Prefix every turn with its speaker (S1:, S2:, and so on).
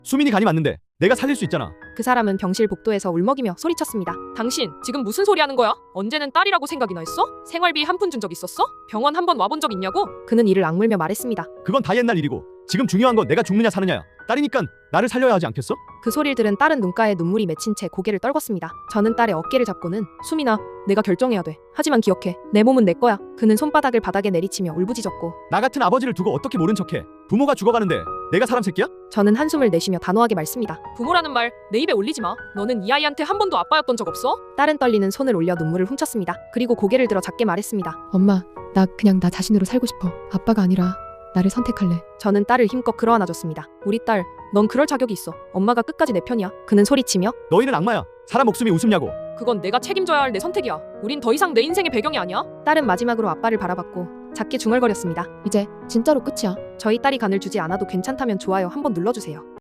S1: 수민이 간이 맞는데 내가 살릴 수 있잖아.
S2: 그 사람은 병실 복도에서 울먹이며 소리쳤습니다.
S3: 당신 지금 무슨 소리 하는 거야? 언제는 딸이라고 생각이나 했어? 생활비 한 푼 준 적 있었어? 병원 한 번 와본 적 있냐고?
S2: 그는 이를 악물며 말했습니다.
S1: 그건 다 옛날 일이고 지금 중요한 건 내가 죽느냐 사느냐야. 딸이니깐 나를 살려야 하지 않겠어?
S2: 그 소리를 들은 딸은 눈가에 눈물이 맺힌 채 고개를 떨궜습니다. 저는 딸의 어깨를 잡고는 수민아, 내가 결정해야 돼. 하지만 기억해. 내 몸은 내 거야. 그는 손바닥을 바닥에 내리치며 울부짖었고
S1: 나 같은 아버지를 두고 어떻게 모른 척해. 부모가 죽어가는데 내가 사람 새끼야?
S2: 저는 한숨을 내쉬며 단호하게 말습니다.
S3: 부모라는 말 내 입에 올리지 마. 너는 이 아이한테 한 번도 아빠였던 적 없어?
S2: 딸은 떨리는 손을 올려 눈물을 훔쳤습니다. 그리고 고개를 들어 작게 말했습니다.
S4: 엄마, 나 그냥 나 자신으로 살고 싶어. 아빠가 아니라 나를 선택할래.
S2: 저는 딸을 힘껏 끌어안아줬습니다. 우리 딸, 넌 그럴 자격이 있어. 엄마가 끝까지 내 편이야. 그는 소리치며
S1: 너희는 악마야. 사람 목숨이 웃음냐고.
S3: 그건 내가 책임져야 할 내 선택이야. 우린 더 이상 내 인생의 배경이 아니야.
S2: 딸은 마지막으로 아빠를 바라봤고 작게 중얼거렸습니다.
S4: 이제 진짜로 끝이야.
S2: 저희 딸이 간을 주지 않아도 괜찮다면 좋아요 한번 눌러주세요.